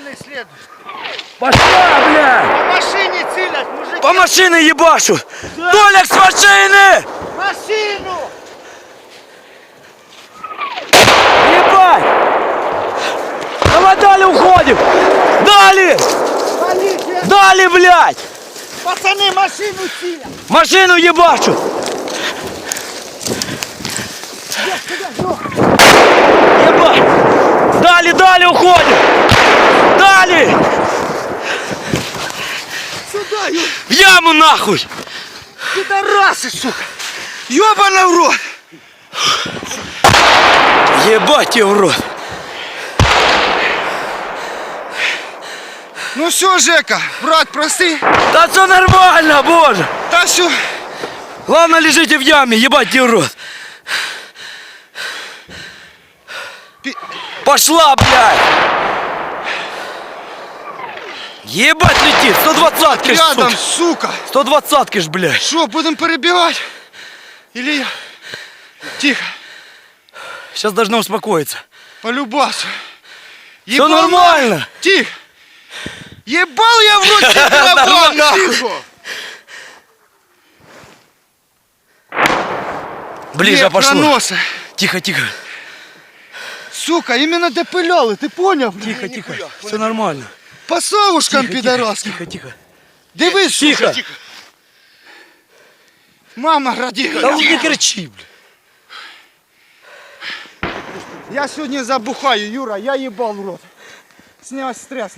Пацаны следуют. Пошла, бля! По машине целят, мужики. По машине ебашу! Толик, с машины! Машину! Ебать! Давай дали уходим! Дали! Полиция! Дали, блядь! Пацаны, машину целят. Машину ебашу! Ебать! Дали, дали, уходим! Дали! Сюда, Юр. В яму нахуй! Пидорасы, сука. Ёбаный в рот. Ебать его в рот! Ну все, Жека, брат, прости. Да все нормально, боже! Да все. Главное, лежите в яме, ебать тебе в рот! Пошла, блядь! Ебать летит! 120-ки ж, Рядом, сука! сука. 120-ки ж, блядь! Что, будем перебегать? Или я? Тихо. Сейчас должно успокоиться. Полюбаться. Все нормально! Тихо. Ебал я в рот тебе барабан, нахуй. Ближе Нет, пошло. проносы. Тихо, тихо. Сука, именно допыляли, ты понял? Тихо, тихо. Все нормально. По совушкам Тихо, пидорасским. Тихо, тихо. Дивись, Тихо. сука. Мама родила. Да не кричи, блядь. Я сегодня забухаю, Юра, я ебал в рот. Снял стресс.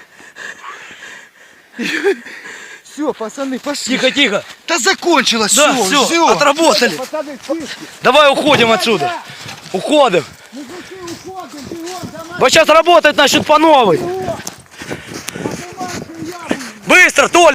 Все, пацаны, пошли. Тихо, тихо. Да закончилось, Да, все, все, отработали. Пацаны, тихо. Давай уходим отсюда. Уходим. Мужики, уходим, бегом, домой. Вот сейчас работать начнут по новой. Быстро, Толь.